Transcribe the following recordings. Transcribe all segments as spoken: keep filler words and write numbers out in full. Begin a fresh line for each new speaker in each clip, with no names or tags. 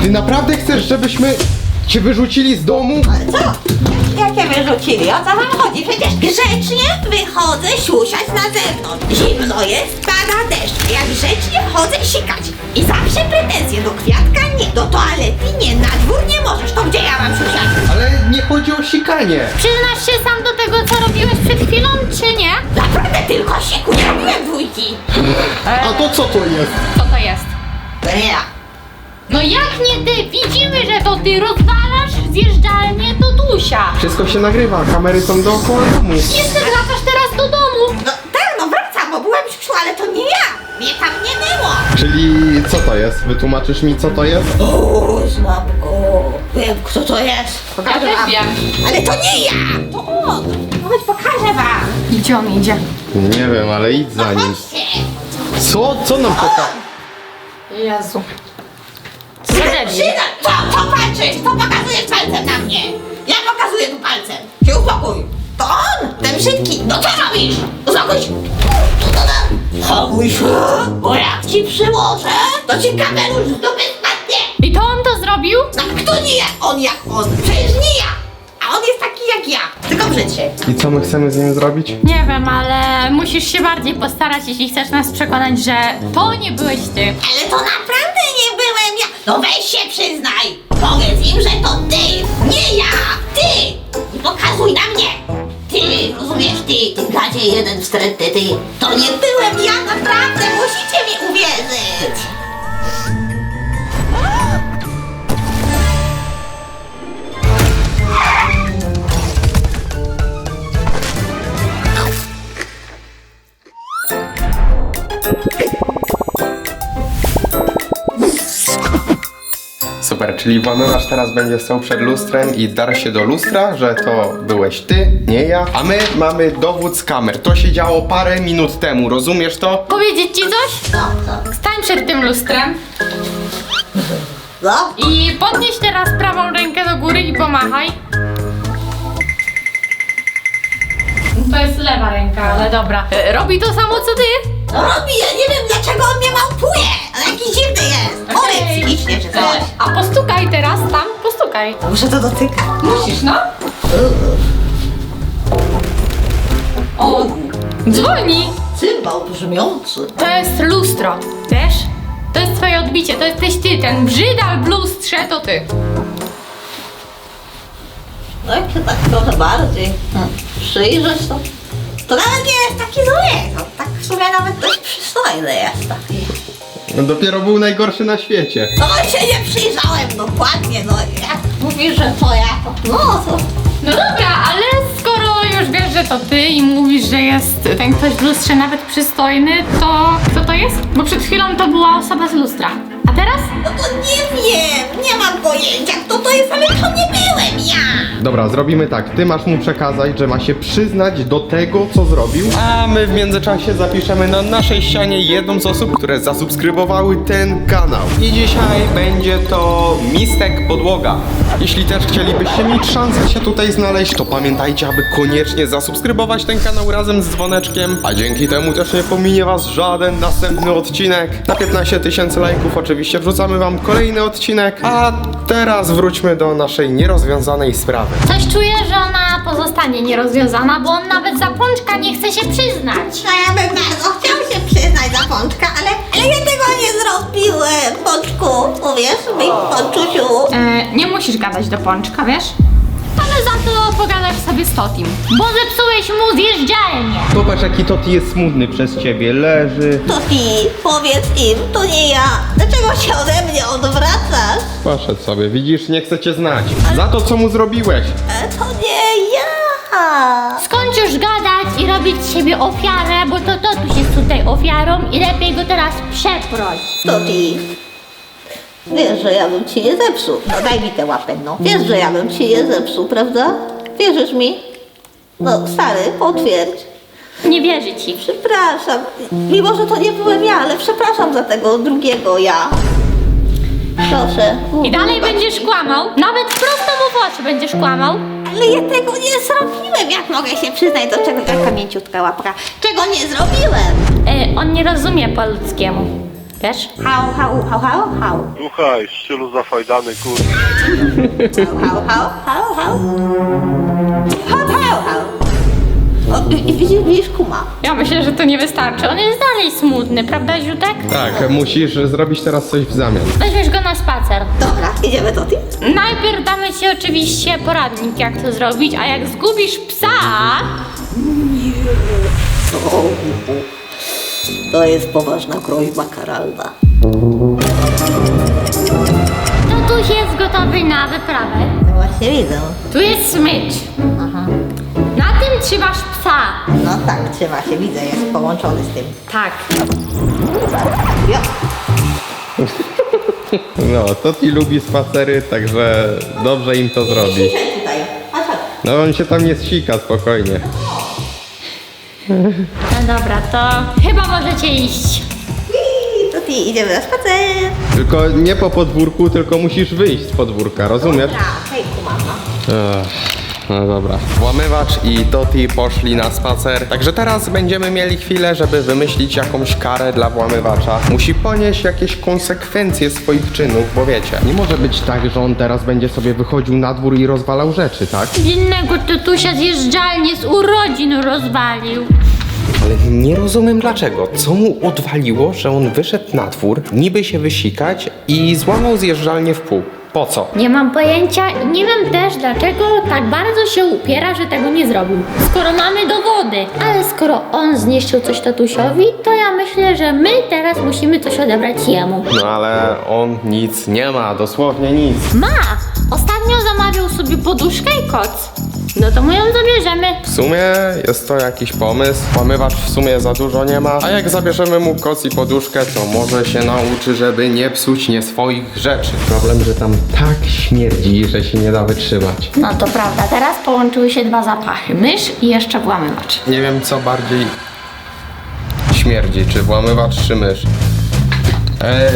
Ty naprawdę chcesz, żebyśmy cię wyrzucili z domu?
Ale co? Jakie wyrzucili? O co wam chodzi? Przecież grzecznie wychodzę siusiać na zewnątrz. Zimno jest, pada deszcz. Jak grzecznie chodzę sikać. I zawsze pretensje do kwiatka nie, do toalety nie, na dwór nie możesz. To gdzie ja mam siusiać?
Ale nie chodzi o sikanie.
Przyznasz się sam do tego, co robiłeś przed chwilą, czy nie?
Naprawdę tylko siku, nie robiłem dwójki.
A to co to jest?
Co to jest?
To nie ja.
No jak nie ty? Widzimy, że to ty rozwalasz zjeżdżalnię Totusia.
Wszystko się nagrywa, kamery są dookoła domu.
Jeszcze wracasz teraz do domu.
No tak, no wracam, bo byłem siusiu, ale to nie ja. Mnie tam nie było.
Czyli co to jest? Wytłumaczysz mi, co to jest?
O, znam go. Wiem, kto to jest. Pokażę
też
wam.
wiem.
Ale to nie ja. To on. No chodź, pokażę wam.
Gdzie on idzie?
Nie wiem, ale idź
No
za nim.
chodźcie.
Co? Co nam poka...
Jezu. Co za debil?
Syna, co, co patrzysz? Co pokazujesz palcem na mnie? Ja pokazuję tu palcem. Się uspokój. To on, ten brzydki. No co robisz? Uspokój się. Co to da? Spokój się, bo jak ci przyłożę, to ci kamerusz z dupy spadnie.
I to on to zrobił?
No kto nie jak on, jak on? Przecież nie ja. A on jest taki jak ja, tylko brzydszy.
I co my chcemy z nim zrobić?
Nie wiem, ale musisz się bardziej postarać, jeśli chcesz nas przekonać, że to nie byłeś ty.
Ale to naprawdę nie byłem ja. No weź się przyznaj. Powiedz im, że to ty, nie ja. Ty. I pokazuj na mnie. Ty, rozumiesz, ty, ty gadzie jeden wstrętny, ty. To nie byłem ja, naprawdę. Musicie mi uwierzyć.
Super, czyli włamywacz teraz będzie stał przed lustrem i dar się do lustra, że to byłeś ty, nie ja. A my mamy dowód z kamer. To się działo parę minut temu, rozumiesz to?
Powiedzieć ci coś?
No, no,
Stań przed tym lustrem
no.
i podnieś teraz prawą rękę do góry i pomachaj. To jest lewa ręka, ale dobra. E, Robi to samo co ty?
No robi, ja nie wiem dlaczego on mnie małpuje. On jakiś dziwny jest. Chory
Okej.
psychicznie czy coś.
E, A postukaj teraz tam, postukaj.
Muszę to dotykać.
Musisz, no. O, dzwoni.
Cymbał brzmiący.
To jest lustro, wiesz? To jest twoje odbicie, to jesteś ty, ten brzydal w lustrze to ty.
No jak się tak trochę bardziej hmm, przyjrzeć, to, to nawet nie jest taki zły. To tak w sumie nawet dość przystojny jest taki.
No dopiero był najgorszy na świecie.
No się nie przyjrzałem dokładnie, no jak mówisz, że to ja, to no to...
No dobra, ale skoro już wiesz, że to ty i mówisz, że jest ten ktoś w lustrze nawet przystojny, to kto to jest? Bo przed chwilą to była osoba z lustra. A teraz?
No to nie wiem, nie mam pojęcia kto to jest, ale to nie byłem ja.
Dobra, zrobimy tak. Ty masz mu przekazać, że ma się przyznać do tego, co zrobił. A my w międzyczasie zapiszemy na naszej ścianie jedną z osób, które zasubskrybowały ten kanał. I dzisiaj będzie to Mistek Podłoga. Jeśli też chcielibyście mieć szansę się tutaj znaleźć, to pamiętajcie, aby koniecznie zasubskrybować ten kanał razem z dzwoneczkiem. A dzięki temu też nie pominie was żaden następny odcinek. Na piętnaście tysięcy lajków oczywiście wrzucamy wam kolejny odcinek. A teraz wróćmy do naszej nierozwiązanej sprawy.
Coś czuję, że ona pozostanie nierozwiązana, bo on nawet za pączka nie chce się przyznać.
No ja bym bardzo chciał się przyznać za pączka, ale, ale ja tego nie zrobiłem, pączku, uwierz mi, pączusiu.
E, nie musisz gadać do pączka, wiesz? Ale za to pogadasz sobie z Totim, bo zepsułeś mu zjeżdżalnię.
Zobacz, jaki Toti jest smutny przez ciebie. Leży.
To ty, powiedz im, to nie ja. Dlaczego się ode mnie odwracasz?
Poszedł sobie, widzisz, nie chce cię znać. Za to, co mu zrobiłeś.
E, to nie ja.
Skończ już gadać i robić z siebie ofiarę, bo to Totuś jest tutaj ofiarą i lepiej go teraz przeproś.
To ty. Wiesz, że ja bym ci nie zepsuł. No daj mi tę łapę, no. Wiesz, że ja bym ci nie zepsuł, prawda? Wierzysz mi? No stary, potwierdź.
Nie wierzę ci.
Przepraszam. Mimo, że to nie byłem ja, ale przepraszam za tego drugiego ja. Proszę.
I dalej będziesz kłamał, nawet prosto mu w oczy będziesz kłamał.
Ale ja tego nie zrobiłem. Jak mogę się przyznać do czegoś? Jaka mięciutka łapka. Czego nie zrobiłem?
E, on nie rozumie po ludzkiemu. Wiesz?
Hał, hał, hał, hał, hał.
Słuchaj, w stylu zafajdany kur...
Hał, hał, hał, hał. Hał, hał, hał. O, i, i widzisz, widzisz kuma.
Ja myślę, że to nie wystarczy. On jest dalej smutny, prawda, Ziutek?
Tak, musisz zrobić teraz coś w zamian.
Weźmiesz go na spacer.
Dobra, idziemy do tych.
Najpierw damy ci oczywiście poradnik, jak to zrobić, a jak zgubisz psa,
O, to jest poważna groźba karalna.
tatuś jest gotowy na wyprawę.
No właśnie widzę.
Tu jest smycz.
Aha.
Na tym trzymasz psa.
No tak, trzyma się, widzę, jest połączony z tym.
Tak.
Ja.
No, Toti lubi spacery, także dobrze im to zrobi.
Siedź tutaj. Chodź, chodź.
No on się tam nie zsika, spokojnie.
No dobra, to chyba możecie iść.
I to ty idziemy na spacer.
Tylko nie po podwórku, tylko musisz wyjść z podwórka, rozumiesz?
Dobra, hejku mama.
Ech, no dobra. Włamywacz i Toti poszli na spacer, także teraz będziemy mieli chwilę, żeby wymyślić jakąś karę dla włamywacza. Musi ponieść jakieś konsekwencje swoich czynów, bo wiecie, nie może być tak, że on teraz będzie sobie wychodził na dwór i rozwalał rzeczy, tak?
Innego tatusia zjeżdżalnię z urodzin rozwalił.
Ale nie rozumiem dlaczego. Co mu odwaliło, że on wyszedł na dwór, niby się wysikać i złamał zjeżdżalnię w pół? Po co?
Nie mam pojęcia i nie wiem też dlaczego tak bardzo się upiera, że tego nie zrobił. Skoro mamy dowody, ale skoro on zniszczył coś tatusiowi, to ja myślę, że my teraz musimy coś odebrać jemu.
No ale on nic nie ma, dosłownie nic.
Ma! Ostatnio zamawiał sobie poduszkę i koc. No to mu ją zabierzemy.
W sumie jest to jakiś pomysł. Włamywacz w sumie za dużo nie ma. A jak zabierzemy mu koc i poduszkę, to może się nauczy, żeby nie psuć nie swoich rzeczy. Problem, że tam tak śmierdzi, że się nie da wytrzymać.
No to prawda, teraz połączyły się dwa zapachy. Mysz i jeszcze włamywacz.
Nie wiem, co bardziej śmierdzi, czy włamywacz, czy mysz. Eee...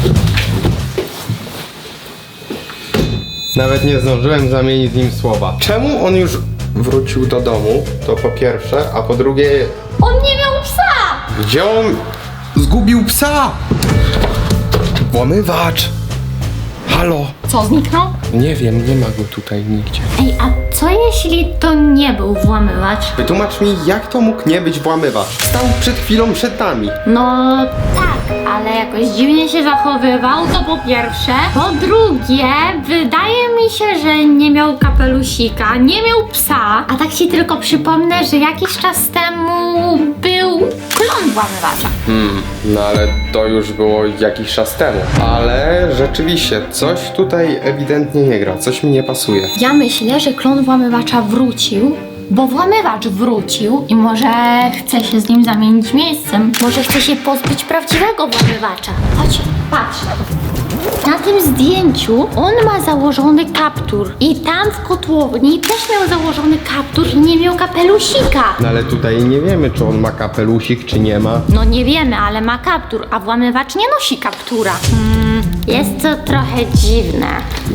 Nawet nie zdążyłem zamienić z nim słowa. Czemu on już wrócił do domu? To po pierwsze, a po drugie,
On nie miał psa!
gdzie on zgubił psa? Włamywacz! Halo?
Co, zniknął?
Nie wiem, nie ma go tutaj nigdzie.
Ej, a co jeśli to nie był włamywacz?
Wytłumacz mi, jak to mógł nie być włamywacz? Stał przed chwilą przed nami.
No tak, ale jakoś dziwnie się zachowywał, to po pierwsze. Po drugie, wydaje mi się, że nie miał kapelusika, nie miał psa. A tak ci tylko przypomnę, że jakiś czas temu był klon włamywacza.
Hmm, no ale to już było jakiś czas temu. Ale rzeczywiście, coś tutaj ewidentnie nie gra, coś mi nie pasuje.
Ja myślę, że klon włamywacza wrócił, bo włamywacz wrócił i może chce się z nim zamienić miejscem. Może chce się pozbyć prawdziwego włamywacza. Chodź, patrz. Na tym zdjęciu on ma założony kaptur i tam w kotłowni też miał założony kaptur i nie miał kapelusika.
No ale tutaj nie wiemy, czy on ma kapelusik, czy nie ma.
No nie wiemy, ale ma kaptur, a włamywacz nie nosi kaptura. Hmm, jest to trochę dziwne.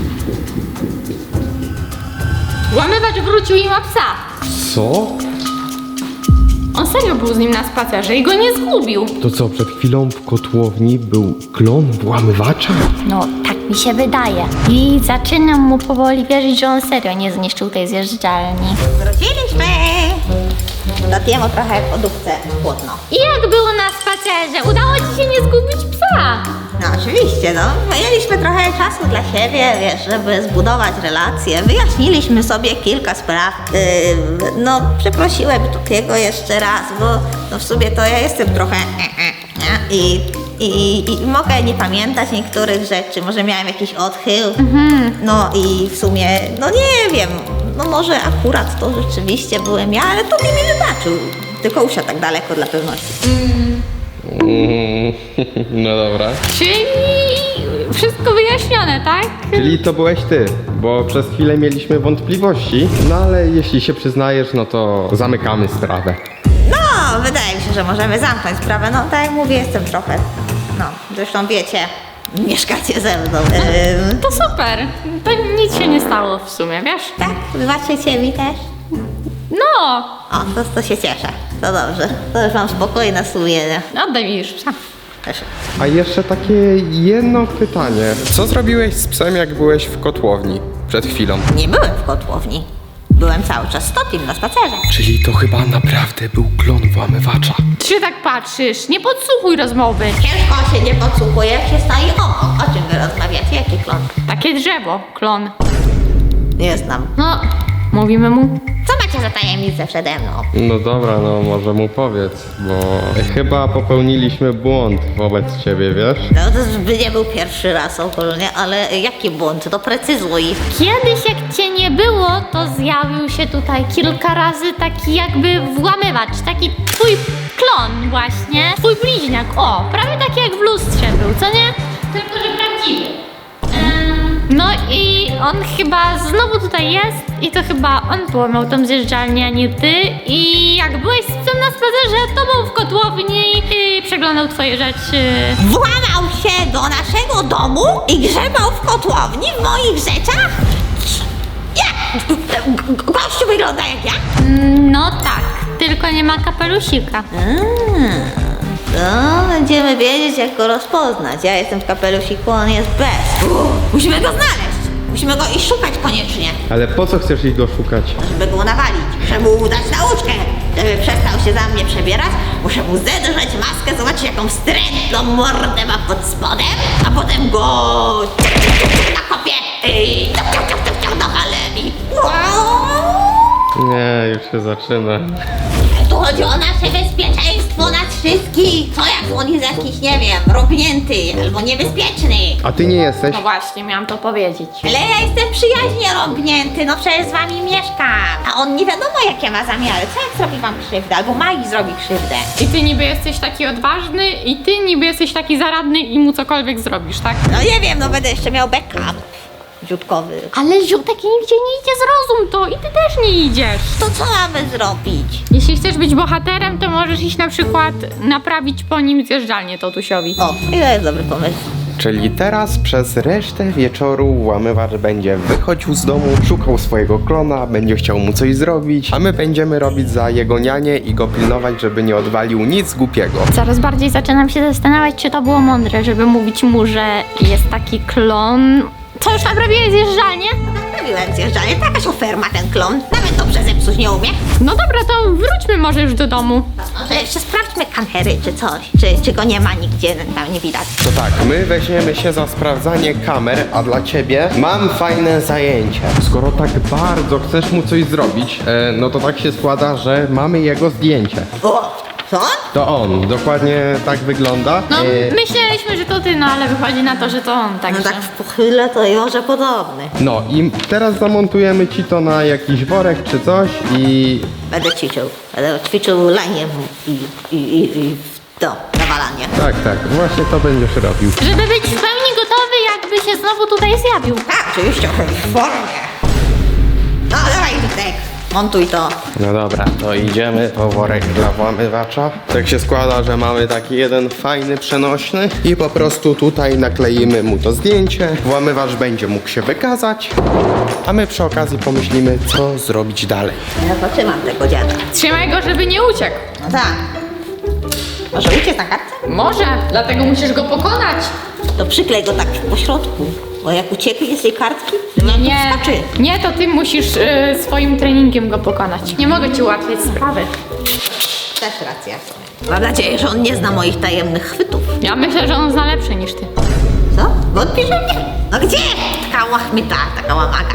Włamywacz wrócił i ma psa.
Co?
On serio był z nim na spacerze i go nie zgubił.
To co, przed chwilą w kotłowni był klon włamywacza?
No, tak mi się wydaje. I zaczynam mu powoli wierzyć, że on serio nie zniszczył tej zjeżdżalni.
Wróciliśmy. Dotiemu trochę w lodówce chłodno.
I jak było na spacerze? Udało ci się nie zgubić psa?
No oczywiście, no. Mieliśmy trochę czasu dla siebie, wiesz, żeby zbudować relacje. Wyjaśniliśmy sobie kilka spraw. Yy, no, przeprosiłem Totiego jeszcze raz, bo no w sumie to ja jestem trochę e, e, nie? I, i, i mogę nie pamiętać niektórych rzeczy. Może miałem jakiś odchył. No i w sumie, no nie wiem. No może akurat to rzeczywiście byłem ja, ale Toti mi wybaczył. Tylko usiadł tak daleko dla pewności.
Mm, no dobra.
Czyli wszystko wyjaśnione, tak?
Czyli to byłeś ty, bo przez chwilę mieliśmy wątpliwości, no ale jeśli się przyznajesz, no to zamykamy sprawę.
No, wydaje mi się, że możemy zamknąć sprawę. No, tak jak mówię, jestem trochę, no, zresztą wiecie, mieszkacie ze mną. Ym,
To super. To nic się nie stało w sumie, wiesz?
tak, wybaczycie mi też?
No,
O, to, to się cieszę. To dobrze. To już mam spokojne sumienie.
oddaj mi już psa.
Proszę.
A jeszcze takie jedno pytanie. Co zrobiłeś z psem, jak byłeś w kotłowni przed chwilą?
Nie byłem w kotłowni. Byłem cały czas z Totim na spacerze.
Czyli to chyba naprawdę był klon włamywacza.
Ty się tak patrzysz, nie podsłuchuj rozmowy.
Ciężko się nie podsłuchuje, jak się stoi obok. O czym wy rozmawiacie? Jaki klon?
Takie drzewo, klon.
Nie znam.
No, mówimy mu.
Co macie za tajemnicę przede mną?
No dobra, no może mu powiedz, bo chyba popełniliśmy błąd wobec ciebie, wiesz?
No to by nie był pierwszy raz ogólnie, ale jaki błąd? Doprecyzuj.
Kiedyś jak cię nie było, to zjawił się tutaj kilka razy taki jakby włamywacz, taki twój klon właśnie, twój bliźniak, o, prawie taki jak w lustrze był, co nie? Tylko, że prawdziwy. Em, No i on chyba znowu tutaj jest i to chyba on połamał tą zjeżdżalnię, a nie ty. I jak byłeś z psem na spacerze, to był w kotłowni i przeglądał twoje rzeczy.
Włamał się do naszego domu i grzebał w kotłowni w moich rzeczach? Jak? Gościu wygląda jak ja?
No tak, tylko nie ma kapelusika.
No, będziemy wiedzieć, jak go rozpoznać. Ja jestem w kapelusiku, on jest bez. Uff, musimy go znaleźć. Musimy go iść szukać koniecznie,
Ale po co chcesz ich go szukać?
żeby go nawalić. Muszę mu dać nauczkę, żeby przestał się za mnie przebierać. Muszę mu zedrzeć maskę, zobaczyć, jaką wstrętną mordę ma pod spodem, a potem go nakopię i do halemi.
Nie, już się zaczyna.
Tu chodzi o nasze bezpieczeństwo nas wszystkich. Co jak on jest jakiś, nie wiem, rąbnięty albo niebezpieczny.
A ty nie jesteś?
No właśnie, miałam to powiedzieć.
Ale ja jestem przyjaźnie rąbnięty, no przecież z wami mieszkam. A on nie wiadomo jakie ma zamiary. Co jak zrobi wam krzywdę? Albo Magi zrobi krzywdę.
I ty niby jesteś taki odważny i ty niby jesteś taki zaradny i mu cokolwiek zrobisz, tak?
No nie wiem, no będę jeszcze miał backup. Dziutkowy.
Ale ziutek nigdzie nie idzie, zrozum to i ty też nie idziesz.
To co mamy zrobić?
Jeśli chcesz być bohaterem, to możesz iść na przykład naprawić po nim zjeżdżalnię Totusiowi.
O, i to jest dobry pomysł.
Czyli teraz przez resztę wieczoru włamywacz będzie wychodził z domu, szukał swojego klona, będzie chciał mu coś zrobić, a my będziemy robić za jego nianie i go pilnować, żeby nie odwalił nic głupiego.
Coraz bardziej zaczynam się zastanawiać, czy to było mądre, żeby mówić mu, że jest taki klon. Co, już naprawiłeś zjeżdżalnię?
Naprawiłem zjeżdżalnię, to jakaś oferma ten klon. Nawet dobrze zepsuć nie umie.
No dobra, to wróćmy może już do domu.
Może jeszcze sprawdźmy kamery czy coś. Czy, czy go nie ma nigdzie, tam nie widać.
To tak, my weźmiemy się za sprawdzanie kamer, a dla ciebie mam fajne zajęcie. Skoro tak bardzo chcesz mu coś zrobić, e, no to tak się składa, że mamy jego zdjęcie.
O, co?
To on, dokładnie tak wygląda.
No,
E,
myśleliśmy, że to ty, no ale wychodzi na to, że to on,
No
także.
tak w pochyle to może podobny.
no i teraz zamontujemy ci to na jakiś worek czy coś i...
Będę ćwiczył. Będę ćwiczył laniem i, i, i, i to, nawalanie.
Tak, tak, właśnie to będziesz robił.
Żeby być w pełni gotowy, jakby się znowu tutaj zjawił.
Tak, oczywiście, w formie. No dawaj, Witek, montuj to.
No dobra, to idziemy po worek dla włamywacza. Tak się składa, że mamy taki jeden fajny, przenośny i po prostu tutaj nakleimy mu to zdjęcie. Włamywacz będzie mógł się wykazać, a my przy okazji pomyślimy, co zrobić dalej.
Ja zatrzymam tego dziada.
Trzymaj go, żeby nie uciekł.
No tak. Może uciec na kartce?
Może, dlatego musisz go pokonać.
To przyklej go tak po środku. Bo jak ucieknie z tej kartki, to
Nie,
nam
nie,
to wskoczy.
nie, to ty musisz y, swoim treningiem go pokonać. Nie mogę ci ułatwić sprawy.
Też racja. Mam nadzieję, że on nie zna moich tajemnych chwytów.
Ja myślę, że on zna lepsze niż ty.
Co? Wątpisz we mnie? No gdzie? Taka łachmyta, taka łamaka.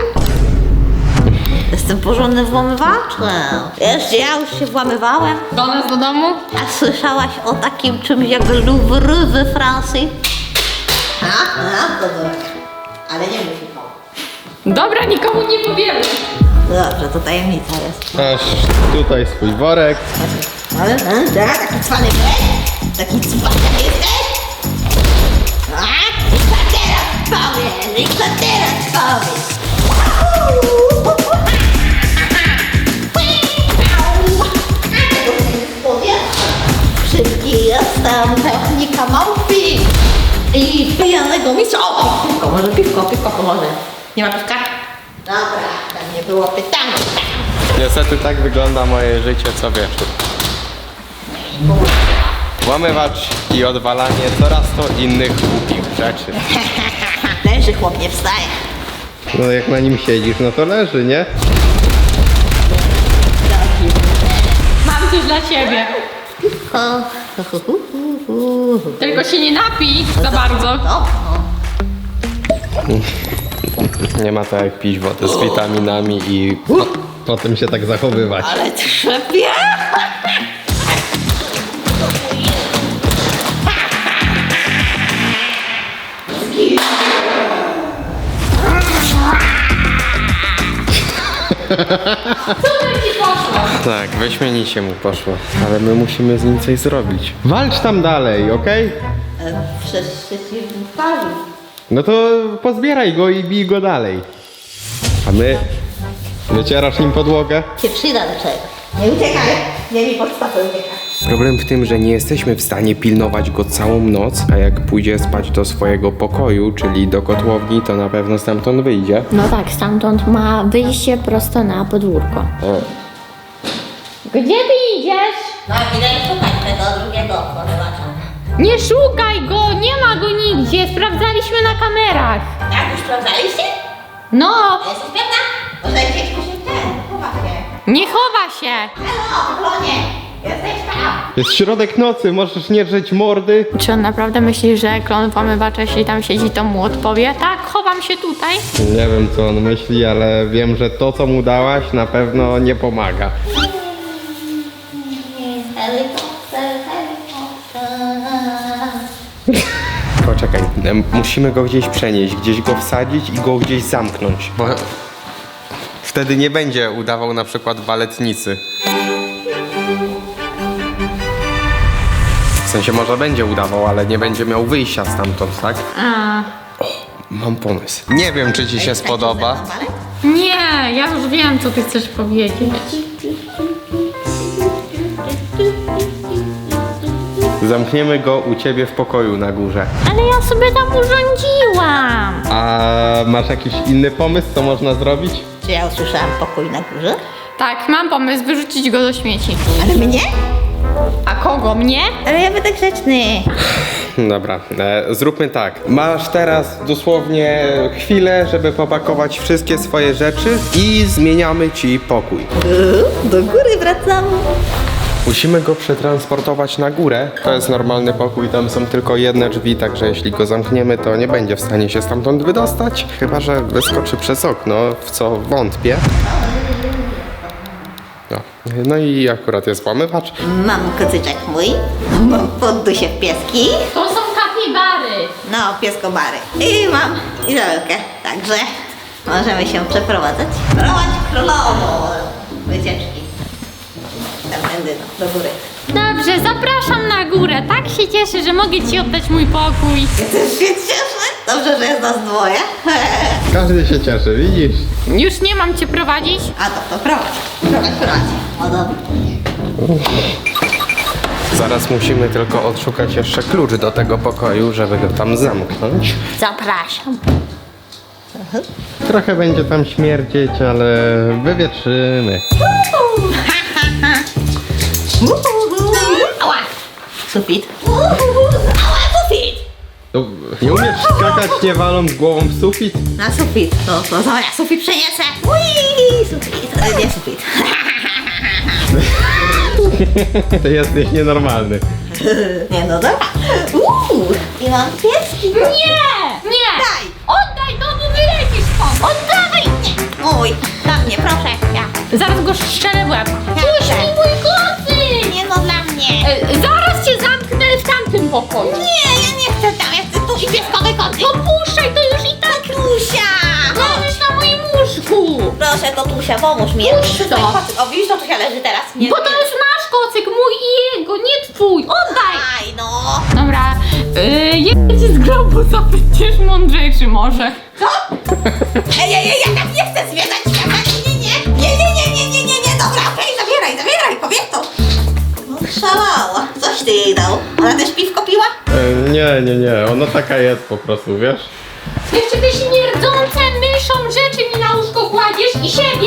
Jestem porządnym włamywaczem. Wiesz, gdzie ja już się włamywałem?
Do nas do domu?
A słyszałaś o takim czymś jak Louvre we Francji? A? A? To dobra. Ale nie musi pomóc.
Dobra, nikomu nie powiemy.
Dobrze, to tajemnica jest.
Masz tutaj swój worek.
Ale, e, tak, taki cwany byłeś? Taki cwany jesteś? A? I co teraz powiesz? I co teraz powiesz? Szybki jestem, technika małpi i pijanego mistrza. O, piwko, może piwko, piwko pomoże. Nie ma piwka? Dobra, tam nie było pytania.
Niestety tak wygląda moje życie co wieczór. Włamywacz i odwalanie coraz to innych głupich rzeczy.
Leży chłop, nie wstaje.
No jak na nim siedzisz, no to leży, nie?
Mam coś dla ciebie. Tylko się nie napij za bardzo.
No,
Nie ma to jak pić wodę z witaminami i po, potem się tak zachowywać.
ale trzepie.
Super ci poszło.
Tak, wyśmienicie mu poszło, ale my musimy z nim coś zrobić. Walcz tam dalej, okej?
Przecież się ci pali.
No to pozbieraj go i bij go dalej. A my... Wycierasz nim podłogę?
Się przyda do czego. Nie uciekaj, nie mi podstawę ucieka.
Problem w tym, że nie jesteśmy w stanie pilnować go całą noc, a jak pójdzie spać do swojego pokoju, czyli do kotłowni, to na pewno stamtąd wyjdzie.
No tak, stamtąd ma wyjście prosto na podwórko.
O.
Gdzie ty idziesz?
No idę szukać tego drugiego porywacza.
Nie szukaj go, nie ma go nigdzie. Sprawdzaliśmy na kamerach.
Jak już sprawdzaliście?
No,
A jesteś pewna? Może gdzieś mu się ten, chowa się.
nie chowa się.
Halo, klonie, jesteś tam.
Jest środek nocy, możesz nie drzeć mordy.
Czy on naprawdę myśli, że klon włamywacza, jeśli tam siedzi, to mu odpowie? Tak, chowam się tutaj.
Nie wiem co on myśli, ale wiem, że to co mu dałaś na pewno nie pomaga.
Helikopter, helikopter.
Poczekaj, em, musimy go gdzieś przenieść, gdzieś go wsadzić i go gdzieś zamknąć, bo wtedy nie będzie udawał na przykład baletnicy. W sensie może będzie udawał, ale nie będzie miał wyjścia stamtąd, tak?
A,
Mam pomysł. Nie wiem, czy ci się spodoba.
nie, ja już wiem, co ty chcesz powiedzieć.
Zamkniemy go u ciebie w pokoju na górze.
Ale ja sobie tam urządziłam.
A masz jakiś inny pomysł, co można zrobić?
Czy ja usłyszałam pokój na górze?
Tak, mam pomysł, wyrzucić go do śmieci.
Ale mnie?
A kogo, mnie?
Ale ja będę grzeczny.
Dobra, e, zróbmy tak. Masz teraz dosłownie chwilę, żeby popakować wszystkie swoje rzeczy i zmieniamy ci pokój.
Uuu, do góry wracam.
Musimy go przetransportować na górę. To jest normalny pokój, tam są tylko jedne drzwi, także jeśli go zamkniemy, to nie będzie w stanie się stamtąd wydostać. Chyba że wyskoczy przez okno, w co wątpię. No, no i akurat jest włamywacz.
Mam kocyczek mój. Mam poddusie w pieski.
To są kapibary.
No, pieskobary. I mam Izabelkę. Także możemy się przeprowadzać. Prowadź królową wycieczki. Tędy do góry.
Dobrze, zapraszam na górę. Tak się cieszę, że mogę ci oddać mój pokój.
Ja też się cieszę. Dobrze, że jest nas dwoje.
Każdy się cieszy, widzisz?
Już nie mam cię prowadzić?
A to, to prowadź. Prowadź, prowadź. O, dobra.
Zaraz musimy tylko odszukać jeszcze klucz do tego pokoju, żeby go tam zamknąć.
Zapraszam.
Trochę będzie tam śmierdzieć, ale wywietrzymy.
Ała! Sufit. Ała, sufit!
To nie umiesz skakać nie waląc głową w sufit?
Na sufit. To, to dobra, sufit przeniesę. Ui, sufit. E, Nie sufit.
Ty jesteś nienormalny.
Nie, no dobra. Uuu, i mam pieski.
Nie! Nie!
Daj.
Oddaj, to bo wylecisz stąd!
Oddawaj! Nie. Oj, dla mnie, proszę. Ja.
Zaraz go strzelę w łeb. Puść mi mój kocyk!
Nie, no dla mnie.
E, zaraz cię zamknę w tamtym pokoju.
Nie, ja nie chcę tam, ja chcę tu i pieskowy koty.
No puszczaj, to już i tak
Tusia!
leżysz na moim łóżku.
Proszę, Totusia, pomóż mi.
Puść
Muszę
to.
sobie kocyk- O, widzisz, Totusia leży teraz. Nie,
Bo to
nie.
jest nasz kocyk, mój i jego, nie twój. Oddaj!
Aj, no.
Dobra, yy, jak ci z grobu zapytasz mądrzejszy może.
Co? Ej, ej, ej, ja tak nie chcę zwiedzać świata. Nie, nie, nie, nie, nie, nie, nie, nie, nie. Dobra, okej, zabieraj, zabieraj, kobieto. No, szalała. Coś ty jej dał. Ona też piwko piła?
E, nie, nie, nie, ona taka jest po prostu, wiesz?
Jeszcze te śmierdzące myszą rzeczy mi na łóżko kładziesz i siebie?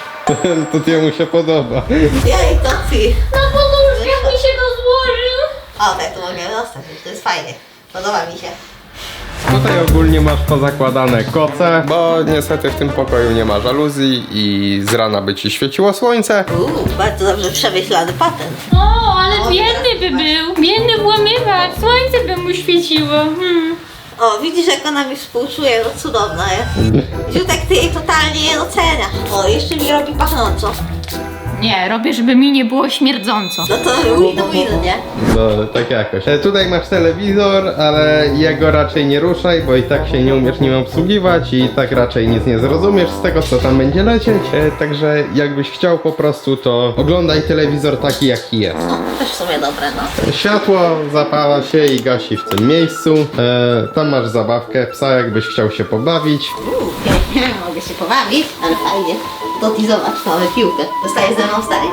To jemu się podoba.
Jej, to ty.
Na podłóżkach mi się to złożył.
O, tak tu mogę zostać, to jest fajnie. Podoba mi się.
Tutaj ogólnie masz pozakładane koce, bo niestety w tym pokoju nie ma żaluzji i z rana by ci świeciło słońce.
Uuu, bardzo dobrze przemyślany patent.
O, ale biedny by był. Biedny włamywacz. Słońce by mu świeciło. Hmm.
O, widzisz jak ona mi współczuje, no cudowna jest. Ziutek, ty jej totalnie nie doceniasz. O, jeszcze mi robi pachnąco.
Nie, robię, żeby mi nie było śmierdząco.
No to win-win, nie?
No, tak jakoś. E, tutaj masz telewizor, ale jego raczej nie ruszaj, bo i tak się nie umiesz nim obsługiwać i tak raczej nic nie zrozumiesz z tego, co tam będzie lecieć. E, także jakbyś chciał po prostu, to oglądaj telewizor taki, jaki jest.
No, też w sumie dobre, no.
Światło zapala się i gasi w tym miejscu. E, tam masz zabawkę psa, jakbyś chciał się pobawić.
Uuu, mogę się pobawić, ale fajnie. To ty zobacz, mamy piłkę. Zostaje ze mną stary?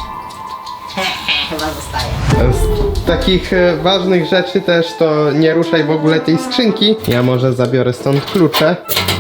Chyba zostaje.
Z takich e, ważnych rzeczy też to nie ruszaj w ogóle tej skrzynki. Ja może zabiorę stąd klucze.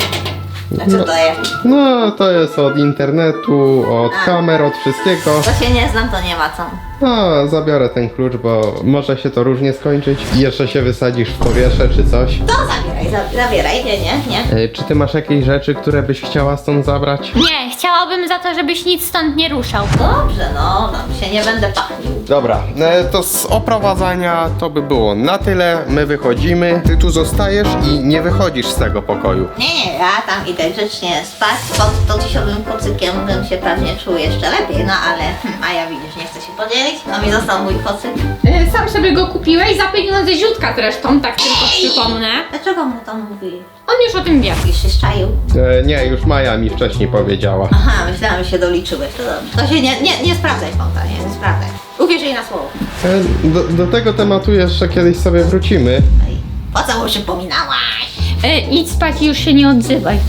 A co to jest?
No, to jest od internetu, od
A.
kamer, od wszystkiego.
To się nie znam, to nie ma co.
No, zabiorę ten klucz, bo może się to różnie skończyć. I jeszcze się wysadzisz w powietrze czy coś.
To zabieraj, za- zabieraj, nie, nie, nie.
E, czy ty masz jakieś rzeczy, które byś chciała stąd zabrać?
Nie, chciałabym za to, żebyś nic stąd nie ruszał.
Dobrze, no, tam się nie będę pachnił.
Dobra, e, to z oprowadzania to by było na tyle. My wychodzimy, ty tu zostajesz i nie wychodzisz z tego pokoju.
Nie, nie, ja tam idę grzecznie spać. Pod to tysiowym kocykiem bym się pewnie czuł jeszcze lepiej, no ale hm, a ja widzisz, nie chcę się podzielić. No mi został mój kocyk.
Y, Sam sobie go kupiłeś za pieniądze Ziutka zresztą, tak tylko przypomnę.
Dlaczego mu to mówi?
On już o tym wie.
Już się szczaił.
E, nie, już Maja mi wcześniej powiedziała.
Aha, myślałam, że się doliczyłeś, to dobrze. To się nie, nie, nie sprawdzaj, Fonta, nie, nie sprawdzaj. Uwierz jej na słowo.
E, do, do tego tematu jeszcze kiedyś sobie wrócimy.
Ej, po co mu przypominałaś?
Y, idź spać i już się nie odzywaj.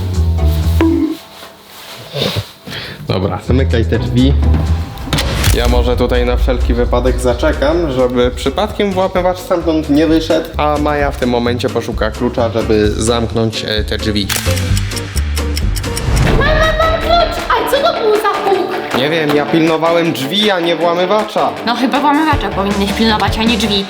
Dobra, zamykaj te drzwi. Ja może tutaj na wszelki wypadek zaczekam, żeby przypadkiem włamywacz stamtąd nie wyszedł, a Maja w tym momencie poszuka klucza, żeby zamknąć e, te drzwi.
Mama, mam klucz! A co to był za huk?
Nie wiem, ja pilnowałem drzwi, a nie włamywacza.
No chyba włamywacza powinnyś pilnować, a nie drzwi.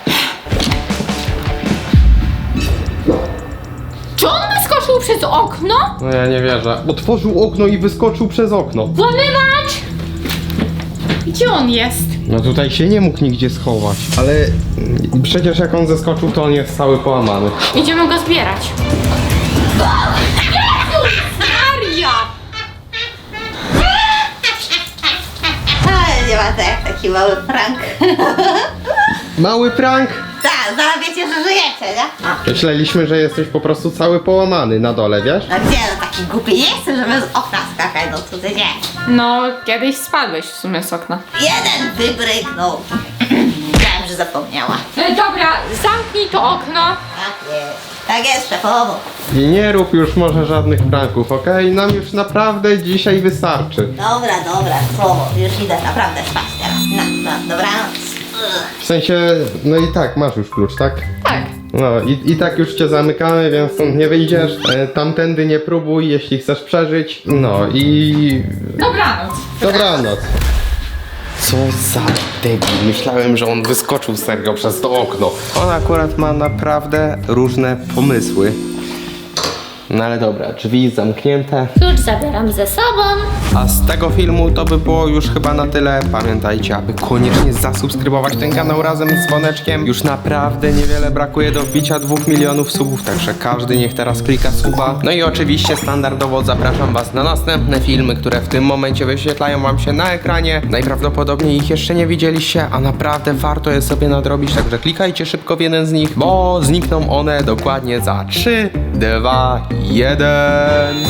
Czy on wyskoczył przez okno?
No ja nie wierzę. Otworzył okno i wyskoczył przez okno.
Włamywacz! Gdzie on jest?
No tutaj się nie mógł nigdzie schować. Ale mm, przecież jak on zeskoczył, to on jest cały połamany.
Idziemy go zbierać. Jezus Maria!
Ale nie ma to jak taki mały prank.
Mały prank?
Tak, zaraz wiecie, że żyjecie, nie? A,
Myśleliśmy, że jesteś po prostu cały połamany na dole, wiesz?
no gdzie, no taki głupi nie chcę, żeby z okna skakać, no co ty nie.
No, kiedyś spadłeś w sumie z okna.
Jeden wybryknął. Wiem, że zapomniała.
E, dobra, zamknij to okno.
Tak jest. Tak jest, szefowo.
I nie rób już może żadnych pranków, okej? Nam już naprawdę dzisiaj wystarczy.
Dobra, dobra, słowo. Już idę naprawdę spać teraz. No, no, dobranoc. Ugh.
W sensie, no i tak, masz już klucz, tak?
Tak.
No i, i tak już cię zamykamy, więc stąd nie wyjdziesz. E, tamtędy nie próbuj, jeśli chcesz przeżyć. No i...
Dobranoc.
Dobranoc. Co za debil. Myślałem, że on wyskoczył serio przez to okno. On akurat ma naprawdę różne pomysły. No ale dobra, drzwi zamknięte.
Klucz zabieram ze sobą.
A z tego filmu to by było już chyba na tyle. Pamiętajcie, aby koniecznie zasubskrybować ten kanał razem z dzwoneczkiem. Już naprawdę niewiele brakuje do wbicia dwóch milionów subów, także każdy niech teraz klika suba. No i oczywiście standardowo zapraszam was na następne filmy, które w tym momencie wyświetlają wam się na ekranie. Najprawdopodobniej ich jeszcze nie widzieliście, a naprawdę warto je sobie nadrobić, także klikajcie szybko w jeden z nich, bo znikną one dokładnie za trzy, dwa, jeden.